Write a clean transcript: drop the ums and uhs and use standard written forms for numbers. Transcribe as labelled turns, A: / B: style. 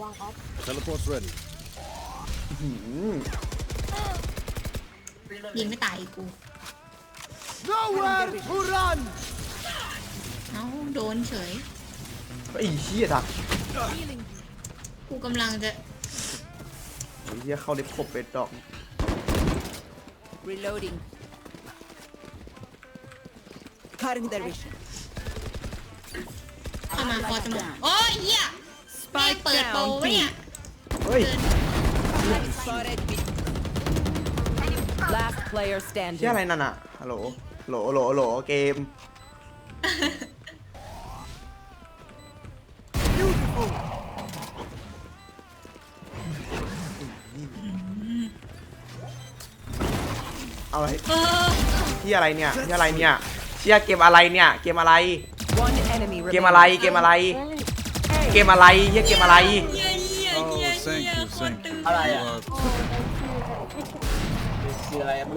A: Teleport's ready.
B: ยิงไม่ตายกู
A: Nowhere to run.
B: เอ้าโดนเฉย
C: ไอ้เหี้ยดัก
B: กูกำลังจะ
C: ไอ้เหี้ยเข้าเล็บขบเป็ดดอก
D: Reloading. Cutting their vision.
B: เข้ามาพอจะหมดโอ้ยเหี้ยแม่งเปิดโปรไว้เนี่ย
C: เฮ้ย
D: Spotted B. Last player
C: เหี้ย
D: standing.
C: อะไรนั่นอะฮัลโหลโหลเกม เอาอะไร
B: เออ
C: ที่อะไรเนี่ยที่อะไรเนี่ยเชี่ยเกมอะไรเนี่ยเกมอะไร
D: One enemy
C: เกมอะไรเกมอะไรเกมอะไรเฮียเกมอะไร
B: เหี้ยเหี้ย
A: Oh,
B: เหี้ย
A: thank
B: เหี้ย
A: you,
B: โคตร
A: thank
B: ตึ
A: you.
B: ง
E: อะไรอะ
A: You are
E: คืออะไรอะ